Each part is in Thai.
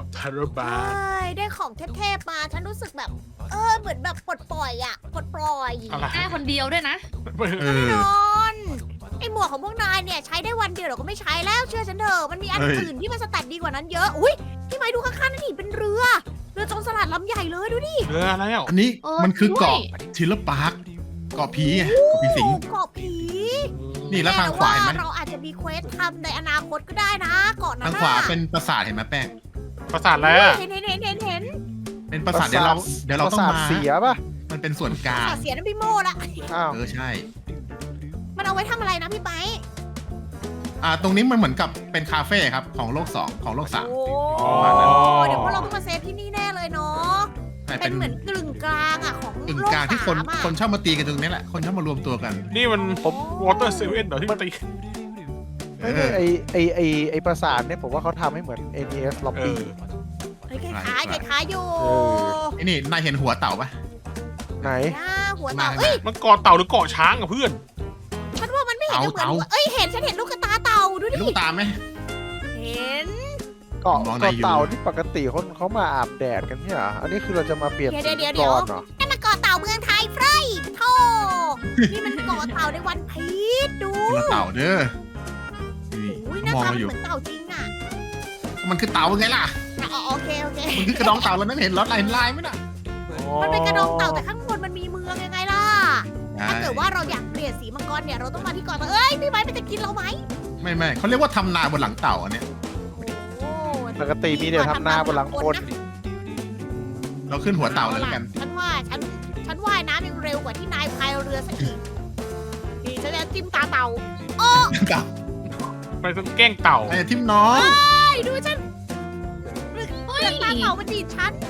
ทารุบาใช่ได้ของเทพๆมาฉันรู้สึกแบบเหมือนแบบปลดปล่อยอะปลดปล่อยอะไรได้คนเดียวด้วยนะเอแน่อนอนไอหมวกของพวกนายเนี่ยใช้ได้วันเดียวเราก็ไม่ใช้แล้วเชื่อฉันเถอะมันมีอันอื่นที่มันสแตทดีกว่านั้นเยอะอุ้ยพี่ไม้ดูข้างๆนั่นดิเป็นเรือโจรสลัดลำใหญ่เลยดูดิเรืออะไรอ่ะอันนี้เออมันคือเกาะด้วยทิลเลอร์พาร์คเกาะผีไงเกาะผีสิงเกาะผีนี่แล้วทางขวาเห็นไหมเราอาจจะมีเควสทำในอนาคตก็ได้นะเกาะนั้ทาน งน่ะขวาเป็นปราสาทเห็นไหมแป้งปราสาทอะไรอ่ะเห็นเป็นปราสาทเดี๋ยวเราต้องประสทมาเสียป่ะมันเป็นส่วนกลางเสียน้ำพี่โมละอ้าวใช่มันเอาไว้ทำอะไรนะพี่ไม้ตรงนี้มันเหมือนกับเป็นคาเฟ่ครับของโลก2ของโลก3 โอ้ประมาณนั้นเดี๋ยวพวกเราต้องมาเซฟที่นี่แน่เลยเนาะแต่เป็เป็น นเหมือนกึ่งกลางอะของกึ่งโลกกลางที่สามอะคนชอบมาตีกันตรงนี้แหละคนชอบมารวมตัวกันนี่มันวอเตอร์เซเว่นเหรอที่ตีไม่ใช่ไอประสาทเนี่ยผมว่าเขาทำให้เหมือน NES Lobby เฮ้ยคล้ายๆอยู่เออไอ้นี่นายเห็นหัวเต่าปะไหนหัวเต่าเอ้ยมันเกาะเต่าหรือเกาะช้างอ่ะเพื่อนฉันว่ามันไม่เห็นจะเหมือนเต่าหัวเอ้ยเห็นฉันเห็นลูกกระตาเต่าดูเห็นดิลูกตาไหมเห็นเกาะมองในเกาะอยู่เต่าที่ปกติเขามาอาบแดดกันเนี่ยเหรออันนี้คือเราจะมาเปลี่ยนเดี๋ยวสีเดี๋ยวก่อนเดี๋ยวเหรอนั่นมันเกาะเต่าเมืองไทยเฟรยโธ่นี่มันเกาะเต่าในวันพีชดูคนละเต่าเด้อนี่อุ้ยหน้ามองตามาอยู่เหมือนเต่าจริงอะมันคือเต่าไงล่ะโอเคมันคือกระดองเต่าแล้วนั่นเห็นรถลายไหมน่ะมันเป็นกระดองเต่าแต่ข้างบนมันมีเมืองยังไงล่ะใช่ถ้าเกิดว่าเราอยากเปลี่ยนสีมังกรเนี่ยเราต้องมาที่เกาะเต่าเอ้ยพี่ไม้มันจะกินเราไหมไม่เขาเรียกว่าทำนาบนหลังเต่าอันเนี้ยโอ้ปกติมีแต่ทำนาบนหลังคนเราขึ้นหัวเต่าเลยแล้วกันฉันว่าฉันว่ายน้ำยังเร็วกว่าที่นายพายเรือซะอีกนี่ฉันจะจิ้มตาเต่าโอ้เต่าไปต้องแกล้งเต่าไอ้ทิมน้องยดูฉันเลือดตาเต่ามันดีดฉัน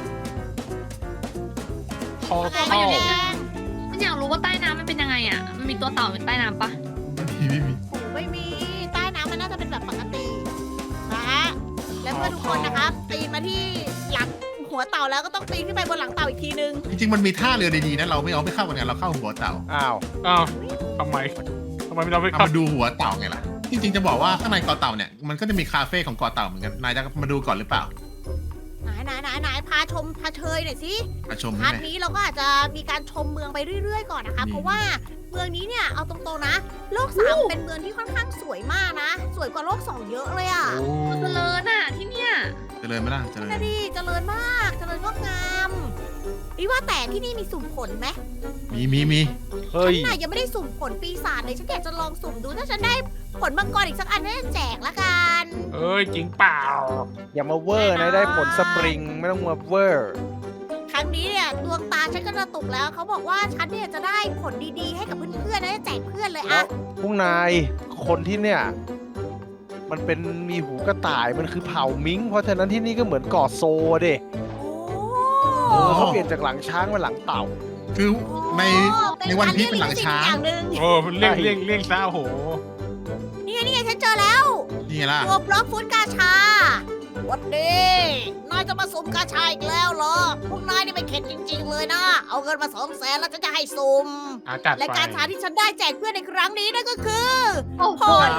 คออะไรเข้าอยู่แดงฉันอยากรู้ว่าใต้น้ำมันเป็นยังไงอ่ะ มันมีตัวเต่าอยู่ใต้น้ำปะไม่มีโอ้ไม่มีใต้น้ำมันน่าจะเป็นแบบปกตินะฮะแล้วเพื่อนทุกคนนะครับปีนมาที่หลังหัวเต่าแล้วก็ต้องปีนขึ้นไปบนหลังเต่าอีกทีนึงจริงๆมันมีท่าเรือดีๆนะเราไม่เข้ากันเราเข้าหัวเต่าอ้าวอ้าวทำไมเราไม่เอาเข้ามาดูหัวเต่าไงล่ะจริงๆจะบอกว่าข้างในเกาะเต่าเนี่ยมันก็จะมีคาเฟ่ของเกาะเต่าเหมือนกันนายจะมาดูก่อนหรือเปล่าไหนพาชมพาเชยหน่อยสิมาชมพาใช่ร์ทไหมนี้เราก็อาจจะมีการชมเมืองไปเรื่อยๆก่อนนะคะนี่เพราะว่าเมืองนี้เนี่ยเอาตรงๆนะ โลกสามเป็นเมืองที่ค่อนข้างสวยมากนะ สวยกว่าโลกสองเยอะเลยอ่ะโอ้เจริญอ่ะที่เนี่ยเจริญไหมล่ะเจริญน่าดีเจริญมากเจริญงดงามนี่ว่าแต่ที่นี่มีสุ่มผลไหมมีเฮ้ยฉันน่ะยังไม่ได้สุ่มผลปีศาจเลยฉันอยากจะลองสุ่มดูถ้าฉันได้ผลมังกรอีกสักอันน่าจะแจกละกันเอ้ยจริงเปล่าอย่ามาเวอร์นะได้ผลสปริงไม่ต้องมาเวอร์ครั้งนี้เนี่ยดวงตาฉันก็กระตุกแล้วเขาบอกว่าฉันเนี่ยจะได้ผลดีๆให้กับเพื่อนๆนะจะแจกเพื่อนเลยแล้อะวพวกนายคนที่เนี่ย มันเป็นมีหูกระต่ายมันคือเผ่ามิงเพราะฉะนั้นที่นี่ก็เหมือนเกาะโซเด้โอ้เขาเปลี่ยนจากหลังช้างเป็นหลังเต่าคือในเป็ในวันพีชเป็นหลังช้างอย่หนึ่งโอ้เลี่ยงซะโอ้โหนี่ไงฉันเจอแล้วนี่ไงล่ะตัวบล็อกฟุตกาชาวันดีนายจะมาสุ่มกาชาอีกแล้วเหรอพวกนายนี่ไม่เข็ดจริง ๆ เลยนะ เอาเงินมา200,000แล้วฉันจะให้สุ่มจัดและไปกาชาที่ฉันได้แจกเพื่อนในครั้งนี้นั่นก็คือโอ้โห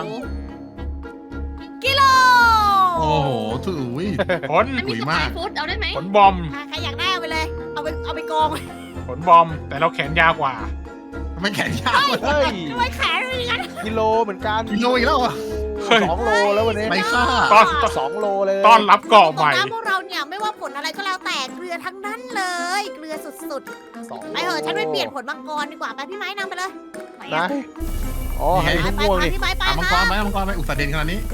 กิโลโอ้โหถุยผลไม่มีสวยสมาปาก ยฟู้ดเอาได้ไหมผลบอมใครอยากได้เอาไปเลย เอาไปกองผลบอม แต่เราแขนยาวกว่าไม่แข็งยากเลยเฮ้ยทำไมแขนเป็นอย่างนั้นกิโลเหมือนกันกิโลอีกแล้วเหรอเฮ้ย 2 โลแล้ววันนี้ไม่ฆ่าตอน 2 โลเลยต้อนรับเกาะใหม่ตรงนั้นพวกเราเนี่ยไม่ว่าผลอะไรก็แล้วแต่เกลือทั้งนั้นเลย เกลือสุดสองๆไปเถอะฉันไปเปลี่ยนผลมังกรดีกว่าไปพี่ไม้นำไปเลยไปนะ อ๋อให้ไปม่วงไปนี่พี่ไม้ไปเอามังคกรัรบไหมเอามังกรไหมอุตส่าห์เด่นขนาดนี้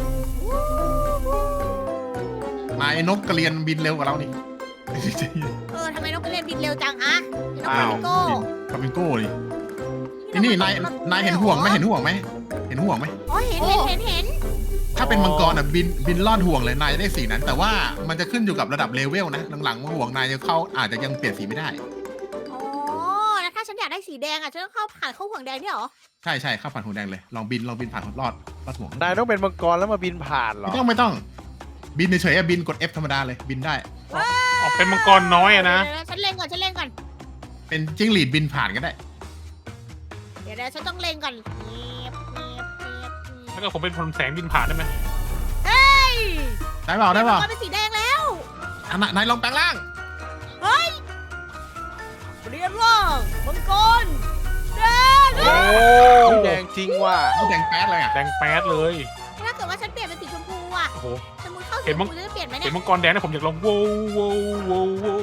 นายนกกระเรียนบินเร็วกว่าเรานี่ทำไมต้องไปเล่นบินเร็วจังฮะน้องอ้าวฟิโก้คามิโก้นี่นี่นายเห็นห่วงไหมเห็นห่วงไหมเห็นห่วงไหมอ๋อเห็นถ้าเป็นมังกรอ่ะบินลอดห่วงเลยนายจะได้สีนั้น แต่ว่ามันจะขึ้นอยู่กับระดับเลเวลนะหลังๆห่วงนายจะเข้าอาจจะยังเปลี่ยนสีไม่ได้อ๋อแล้วถ้าฉันอยากได้สีแดงอ่ะฉันต้องผ่านเข้าห่วงแดงเนี่ยเหรอใช่เข้าผ่านห่วงแดงเลยลองบินผ่านลอดห่วงนายต้องเป็นมังกรแล้วมาบินผ่านเหรอไม่ต้องบินเฉยๆบินกด F ธรรมดาเลยบินได้ออกเป็นมังกรน้อยอะนะเดี๋ยวฉันเล็งก่อนเป็นจิ้งหรีดบินผ่านก็ได้เดี๋ยวฉันต้องเล็งก่อนแล้วก็ผมเป็นพลแสงบินผ่านได้ไหมเฮ้ยได้เปล่ามังกรเป็นสีแดงแล้วโนายลองแปลงร่างเรียนร่างมังกรแดงโอ้แดงจริงว่ะเขาแดงแป๊ดเลยอ่ะแดงแป๊ดเลยถ้าเกิดว่าฉันเปลี่ยนเป็นสีชมพูอ่ะโอ้โหสมมติเข้าสีเห็ชนมมั้งพูจะเปลี่ยนไหมเห็เนี่นยมังกรแดงนะผมอยากลองโว้วโว้วโว้วโว้ว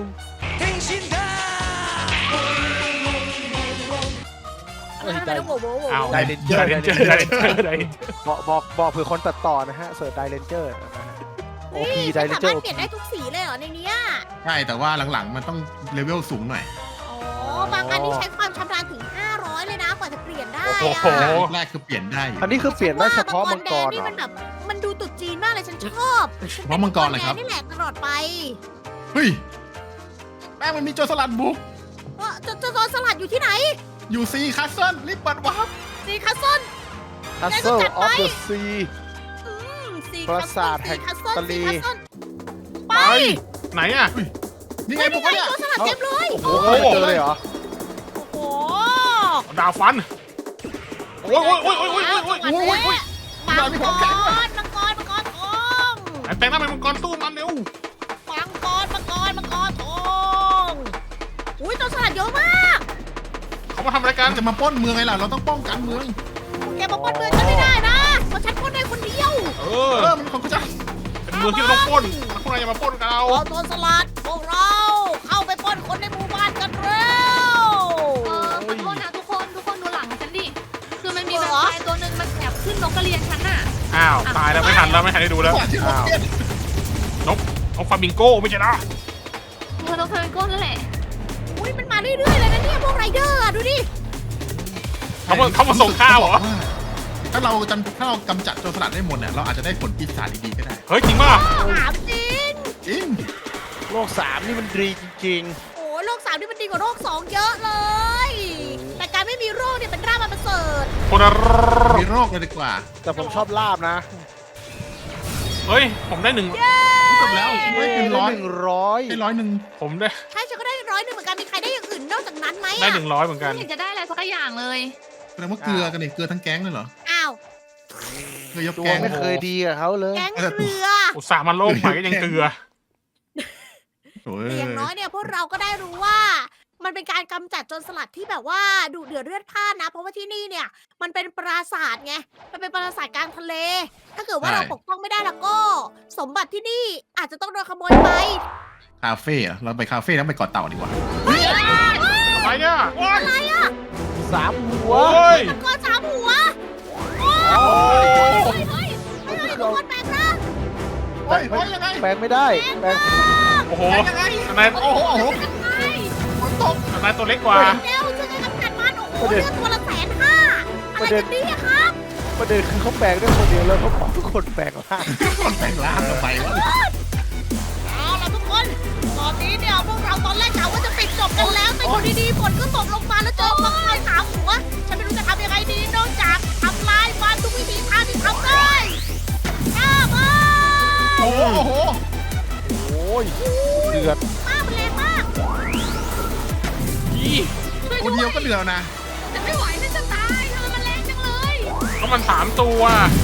ทำไมต้องโว้โว้โว้อ้าวไดเรนเจอร์ไดเรนเจอร์ไดเรนเจอร์ไดบอกเผื่อคนตัดต่อนะฮะเสิร์ชไดเรนเจอร์โอพีไดฉันเรนสาเจอมารร์ถเปลี่ยนได้ทุกสีเลยเหรอในเนี้ยใช่แต่ว่าหลังๆมันต้องเลเวลสูงหน่อยอ๋อบางอันนี่ใช้ความชำนาญถึง 500 เลยนะกว่าจะเปลี่ยนได้โอ้อะโหแรกคือเปลี่ยนได้อยู่อันนี้คือเปลี่ยนได้เฉพาะมังกรนี่เหรอมันแบบมันดูตุดจีนมากเลยฉันชอบเฉพาะมังกรเหรอครับนี่แหละตลอดไปเฮ้ยแม่งมันมีโจรสลัดบุกว่าจะโดนสลัดอยู่ที่ไหนอยู่ซีคัสเซิลรีบเปิดวาร์ปสีคัสเซิลคัสเซิลออฟเดอะซีสีปราสาทแห่งคัสเซิลทะเลสีคัสเซิลไปไหนอ่ะนี่ไงนี่บุกไงเนี่ยโดนสลัดเต็มเลยโอ้โหเจอเลยเหรอโอ้โหดาวฟันโอ้ยโอ้ยโอ้ยโอ้ยโอ้ยโอ้ยโอ้ยโอ้ยโอ้ยมังกรมังกรมังกรทองแต่งหน้าเป็นมังกรตู้มันเร็วมังกรทองอุ้ยโดนสลัดเยอะมากเขามาทำอะไรกัมัน นจะมาปล้นเมืองไงล่ะเราต้องป้องกันเมืองแกมาปล้นเมืองฉันไม่ได้นะเพราะฉันปล้นได้คนเดียวเอเอออมันของกูจะเป็นเมืองที่เราต้องปล้นแล้วพวกนายอย่ามาปล้นกับเราเราโดนสลัดพวกเราเข้าไปปล้นคนในหมู่บ้านกันเร็วขอโทษนะทุกคนดูหลังฉันดิ คือมันมีแวมไพร์ตัวหนึ่งมันแอบขึ้นนกกระเรียนฉันน่ะอ้าวตายแล้วไม่ทันแล้วไม่ทันได้ดูแล้วกว่าที่ผมเปลี่ยนเอาฟามิงโก้ไม่ใช่นะเธอต้องเธอเป็นก้นนั่นแหละอุ้ยมันมาเรื่อยๆเลยนะเนี่ยพวกไรเดอร์อะดูดิเขามาส่งข้าวเหรอถ้าเรากำจัดโจรสลัดได้หมดเนี่ยเราอาจจะได้ผลปีศาจดีๆก็ได้เฮ้ยจริงป่ะถามจริงจริงโลก3นี่มันดีจริงโอ้โรค3นี่มันดีกว่าโรค2เยอะเลย แต่การไม่มีโรคเนี่ยเป็นราบมันประเสริฐคนละมีโรคเลยดีกว่าๆ แต่ผมชอบลาบนะเฮ้ยผมได้หนึ่งจบแล้วได้เป็นร้อย 100 ได้100 ผมได้ใช่ฉันก็ได้100เหมือนกันมีใครได้อย่างอื่นนอกจากนั้นไหมได้อะ 100เหมือนกันไม่เห็นจะได้อะไรสักอย่างเลยแสดงว่าเกลือกันเนี่ยเกลือทั้งแก๊งเลยเหรออ้าวเกลือยกตัวแก๊งไม่เคยดีกับเขาเลยแก๊งเรืออุตส่าห์มาโลกใหม่ก็ยังเกลือโอ้ยแต่อย่างน้อยเนี่ยพวกเราก็ได้รู้ว่า มันเป็นการกำจัดโจรสลัดที่แบบว่าดุเดือดเลือดพล่านนะ เพราะว่าที่นี่เนี่ย มันเป็นปราสาทไง มันเป็นปราสาทกลางทะเล ถ้าเกิดว่าเราปกป้องไม่ได้แล้วก็ สมบัติที่นี่อาจจะต้องโดนขโมยไปคาเฟ่เหรอเราไปคาเฟ่แล้วไปเกาะเต่าดีกว่าอะไรเนี่ยอะไรอ่ะ 3 หัวโอ้ยมังกรสามหัวโอ้โอ้ยเฮ้ยเฮ้ยเฮ้ยทุกคนแปลงร่างเฮ้ยยังไงแปลงไม่ได้แปลงโอ้โหยังไงนายโอ้โหโอ้โหไงฝนตกนายตัวเล็กกว่าเร็วช่วยกันกำจัดมันโอ้โหเลือดตัวละ150,000อะไรกันเนี่ยครับประเด็นคือเขาแปลงได้คนเดียวแล้วเขาบอกทุกคนแปลงร่างคนแต่งร่างกันไปวะเอาล่ะทุกคน ตอนนี้เนี่ยพวกเราตอนแรกกะว่าจะปิดจบกันแล้ว แต่อยู่ดีๆฝนก็ตกลงมาแล้วเจอมังกรสามหัว ฉันไม่รู้จะทำยังไงดีนอกจากทำลายมันทุกวิธีทางที่ทำได้ข้ามาโอ้โหโอ้ยเดือดป้ามันแรงมากอีคนเดียวก็เหลือนะแต่ไม่ไหวน่าจะตายทำไมมันแรงจังเลยก็มัน3 ตัว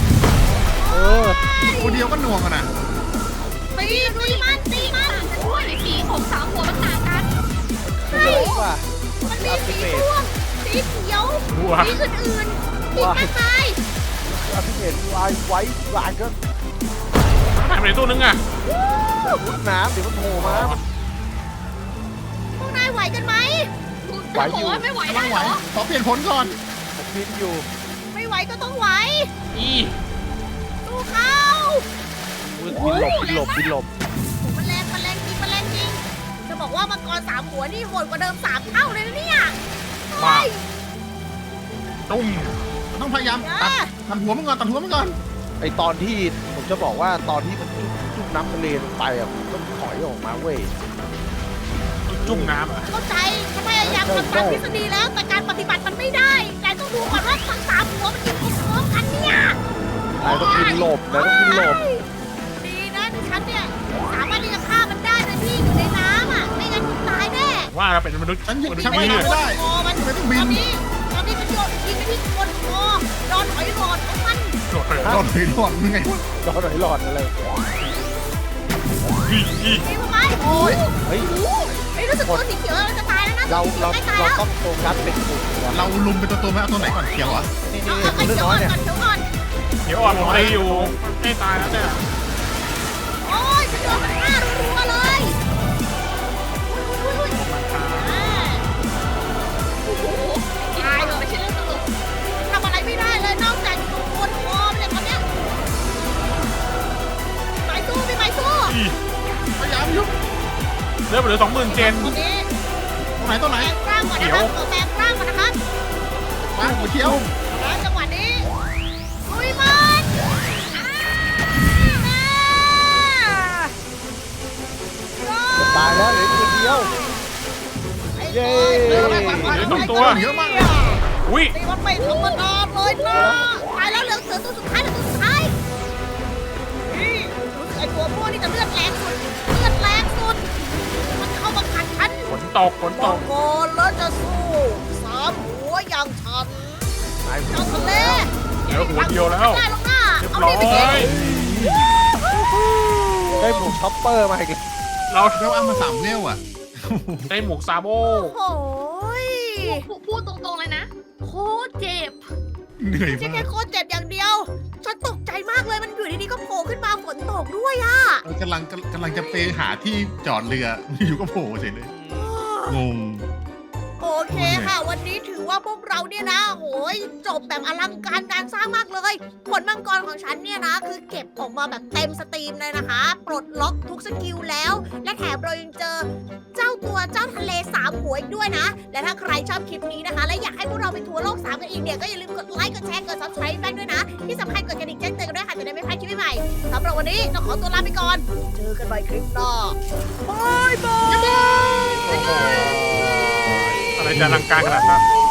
คนเดียวก็หน่วงกันนะตีมันตีมันช่วยสีของ3หัวมันต่างกันไม่เลยว่ะมันมีสีม่วงสีเขียวหัวสีอื่นๆอีกมากมายอาพิเศษลายไว้ลายก็หายไปไหนตัวนึงอ่ะมุดน้ำเดี๋ยวมันโผล่มาพวกนายไหวกันไหมไหวอยู่ไม่ไหวต้ได้องเหไหวรอขอเปลี่ยนผลก่อนผมพินอยู่ไม่ไหวก็ต้องไหวอีดูเขาบินหลบมันแรงจริง จะบอกว่ามังกรสามหัวนี่โหดกว่าเดิม3 เท่าเลยนะเนี่ยว้าตุ้มต้องพยายามเอตัดอหัวมันก่อนตัดหัวมันก่อนไอตอนที่ผมจะบอกว่าตอนที่มันจุ่มน้ำทะเลลงไปอ่ะผมก็ถอยออกมาเว้ยจุ่มน้ำอ่ะเข้าใจฉันพยายามทำตามทฤษฎีแล้ว แต่การปฏิบัติมันไม่ได้นายต้องดูก่อนว่าทั้ง3 หัวมันยิงพร้อมๆกันเนี่ยนายต้องบินหลบดีนะที่ฉันเนี่ยสามารถที่จะฆ่ามันได้โดยที่อยู่ในน้ำอ่ะ ไม่งั้นคุณตายแน่ว่าเราเป็นมนุษย์ฉันหยุดมนุษฉันย์ไม่นี่ได้ ไม่ได้คอมันไม่ต้องตบิอน นนี้มันโยนยิงไปที่คนคอโดนหอยหลอดของมันโดดไปรอดเลยรอดมึงไงรอหน่อยหลอดอะไรอีตีมันไปโอ้ยเฮ้ยเฮ้ยรู้สึกตัวสีเขียวเราจะตายแล้วนะเราใกล้ตายเราแล้วต้องโฟกัสเป็นกลุ่มก่อนเราลุมเป็นตัวไหมเอาตัวไหนก่อนเขียวเหรอ่ะนี่เอานี่เอาเรื่องเขียวน้อ่ออย นเนี่ยก่อนเขียวอ่อนเดี๋ยวอ่อนผมตีอยู่ไม่ตายแล้วเนี่ยโอ้ยฉันโดนมันฆ่ารัวๆเลยอุ้ยโอ้โหตายเลยไม่ใช่เรื่องตลกทำอะไรไม่ได้เลยนอกจากอยู่บนคอมันเลยตอนเนี้ยไปสู้พี่ไปสู้พยายามยุบเลือดเหลือ20,000 เจนตอนนี้ตัวไหนแปลงร่างก่อนนะครับขอแปลงร่างก่อนนะครับมาหัวเขียวแล้วจังหวะนี้ลุยมันอ่าตายแล้วเหลือตัวเดียว เย้เร็วเลยปัดเหลือ2 ตัวเยอะมากเลยอุ้ยนี่มันไม่ธรรมดาเลยนะตายแล้วเหลือเสือตัวสุดท้ายเหลือตัวสุดท้ายนี่รู้สึกไอ้ตัวพวกนี่จะเลือดแรงสุดเลือดแรงสุดมันเข้ามาขัดฉันฝนตกบอกก่อนแล้วจะสู้สามหัวอย่างฉันตายหมเจ้าดทะเลเหลือหัวเดียวแล้วได้ลงหน้าเรียบเอาร้อดิไปกินยได้หมวกช็อปเปอร์มาอีกแล้วเราเราเอามา3เวลอ่ะได้หมวกซาโบโอ้ยพูดตรงๆเลยนะ โคตรเจ็บเหนื่อยไม่ใช่มาแค่กโคตรเจ็บอย่างเดียว ฉันตกใจมากเลยมันอยู่ดีๆก็โผล่ขึ้นมาฝนตกด้วยอะเรากำลังจะไปหาที่จอดเรืออยู่ก็โผล่เฉยเลยงงโอเคค่ะ วันนี้ถือว่าพวกเราเนี่ยนะโหยจบแบบอลังการการสร้างมากเลย ผลมังกรของฉันเนี่ยนะ คือเก็บออกมาแบบเต็มสตรีมเลยนะคะ ปลดล็อกทุกสกิลแล้ว และแถมเรายังเจอเจ้าทะเล3หัวอีกด้วยนะ และถ้าใครชอบคลิปนี้นะคะ และอยากให้พวกเราไปทัวร์โลก3กันอีกเนี่ยก็อย่าลืมกดไลค์กดแชร์กด subscribe แป้งด้วยนะ ที่สำคัญกดกระดิ่งแจ้งเตือนกันด้วยค่ะจะได้ไม่พลาดคลิปใหม่ๆสำหรับวันนี้เราขอตัวลาไปก่อน เจอกันใหม่คลิปหน้าบายบายอะไรจะอลังการขนาดนั้น